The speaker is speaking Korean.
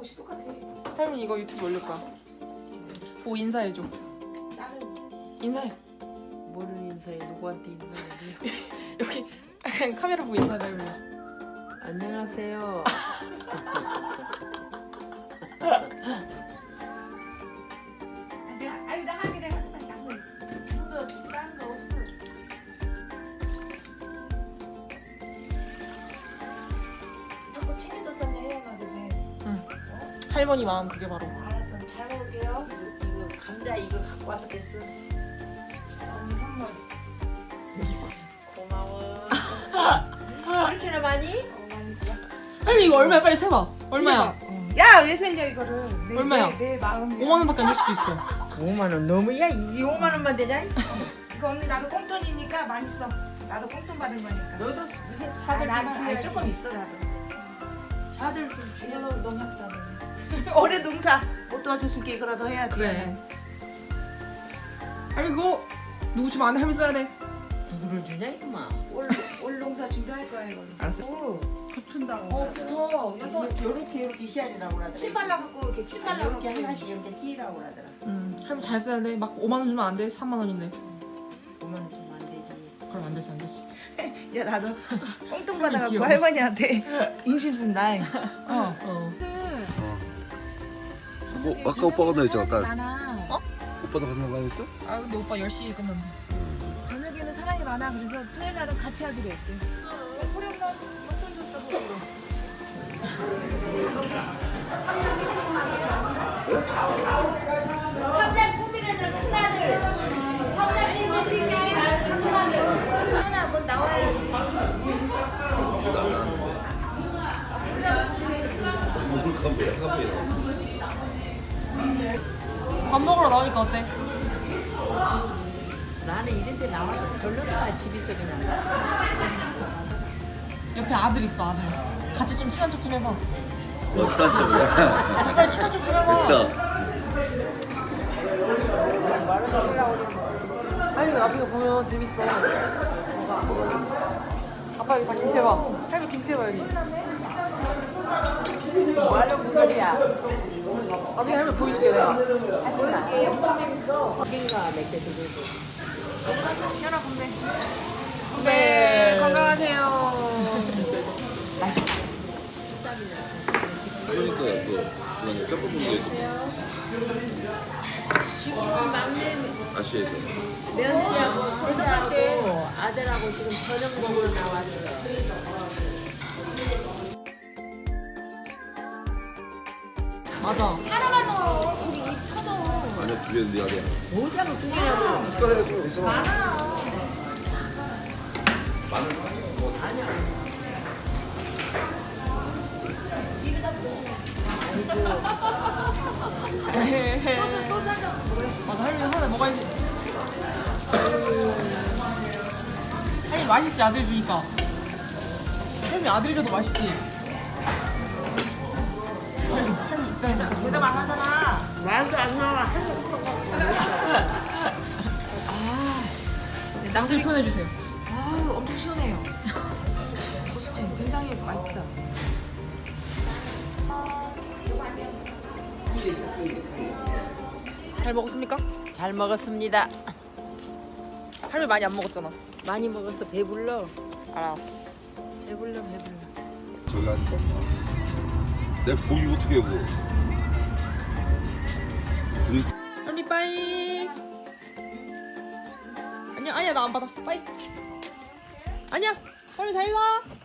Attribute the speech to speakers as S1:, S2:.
S1: 옷이 똑같아.
S2: 할머니 이거 유튜브 올릴 거야. 보고 인사해줘.
S1: 나는
S2: 인사해.
S3: 뭐를 인사해? 누구한테 인사해?
S2: 여기 그냥 카메라 보고 인사해 할머니.
S3: 안녕하세요.
S1: 나 하게 내가 나는 이거 다른 거 없어. 자꾸 챙겨줬었네 혜연아 그지?
S2: 할머니 마음 그게 바로.
S1: 알았어 잘 먹을게요.
S3: 이거 감자 이거 갖고 와서 됐어.
S1: 언니 선물.
S3: 고마워.
S1: 그렇게나 많이? 많이 있어.
S2: 할머니 이거 얼마야? 빨리 세봐. 얼마야?
S1: 야 왜 살려 이거를?
S2: 얼마야?
S1: 내 마음이야.
S2: 5만 원밖에 안 줄 수도 있어.
S3: 5만 원 너무야? 이게 5만 원만 되냐?
S1: 이거 언니 나도 꽁돈이니까 많이 써. 나도 꽁돈 받은 거니까.
S3: 너도
S1: 차들
S3: 나는
S1: 나는 조금 있어 나도.
S3: 차들 좀 주려고 농약사는.
S1: 올해 농사 못 도와줬으니까 이거라도 해야지.
S2: 그래. 할머니 그거 누구 주면 안 돼? 할머니 써야 돼.
S3: 누구를 주냐 이놈아?
S1: 올 농사 준비할 거야 이거.
S2: 알았어.
S3: 붙은다고.
S1: 붙어.
S3: 요렇게 희한이라고 그러더라.
S1: 침 발라갖고 이렇게 침 발라갖고
S3: 이렇게 하나씩 이렇게 씌라고 그러더라.
S2: 할머니 잘 써야 돼. 막 5만 원 주면 안 돼. 3만 원인데.
S3: 5만 원 주면 안 되지.
S2: 그럼 안 되지 안 되지.
S1: 야 나도 꽁돈 받아갖고
S2: 귀여워.
S1: 할머니한테 인심 쓴다. 어.
S4: 아까 오빠가 나 했잖아 딸.
S1: 많아.
S4: 오빠도 같은 거 했어?
S2: 아 근데 오빠 10시에 끝난대.
S1: 저녁에는 사람이 많아. 그래서 토요일 날은 같이 하기로 했대. 우리 엄마 용돈 줬어. 그거. 성장 꾸미려는 큰아들. 성장 리모델링 상품아들. 하나 뭐 나와야지.
S2: 밥 먹으러 나오니까 어때?
S3: 나는 이런 데 나와서 별로다 집에서 그냥.
S2: 옆에 아들 있어 아들. 같이 좀 친한 척 좀 해봐.
S4: 비싼 쪽이야.
S2: 빨리 친한 척 좀 해봐.
S4: 있어.
S2: 할머니 나중에 보면 재밌어. 아빠 여기 다 김치 해봐. 할머니 김치 해봐 여기.
S3: 뭐하러 그 소리야?
S2: 나중에 할머니 보여줄게 내가.
S3: 고기가 몇개 들고.
S2: 현아 건배.
S1: 네, 건강하세요.
S2: 맛있다.
S4: 그러니까 그 뼈 부분 게
S3: 지금 막내
S4: 아시에서.
S3: 며느리하고 손자하고 아들하고 지금 저녁 먹으러 나왔어.
S2: 맞아.
S1: 하나만 넣어. 우리 입 터져.
S4: 아니야 두 개는 네 아니야.
S3: 뭐자고 두 개냐고.
S4: 숟가락에 좀 괜찮아.
S2: 소스 한 잔 먹을래? 맞아 할머니 하나 먹어야지. 할머니 맛있지 아들 주니까. 할머니 아들 줘도 맛있지. 할머니 입장에
S1: 제가 말하잖아.
S3: 말도 안 나와.
S2: 낭들 표현해주세요.
S1: 아유, 엄청 시원해요. 고소해. 굉장히 맛있다.
S2: 잘 먹었습니까?
S3: 잘 먹었습니다.
S2: 할머니 많이 안 먹었잖아.
S3: 많이 먹었어. 배불러.
S2: 알았어.
S3: 배불러.
S4: 저기 앉아. 내가 고기 어떻게 해고? 우리
S2: 할머니 빠이. 안녕. 아니야 나 안 받아. 빠이. 아니야. 할머니 잘 가.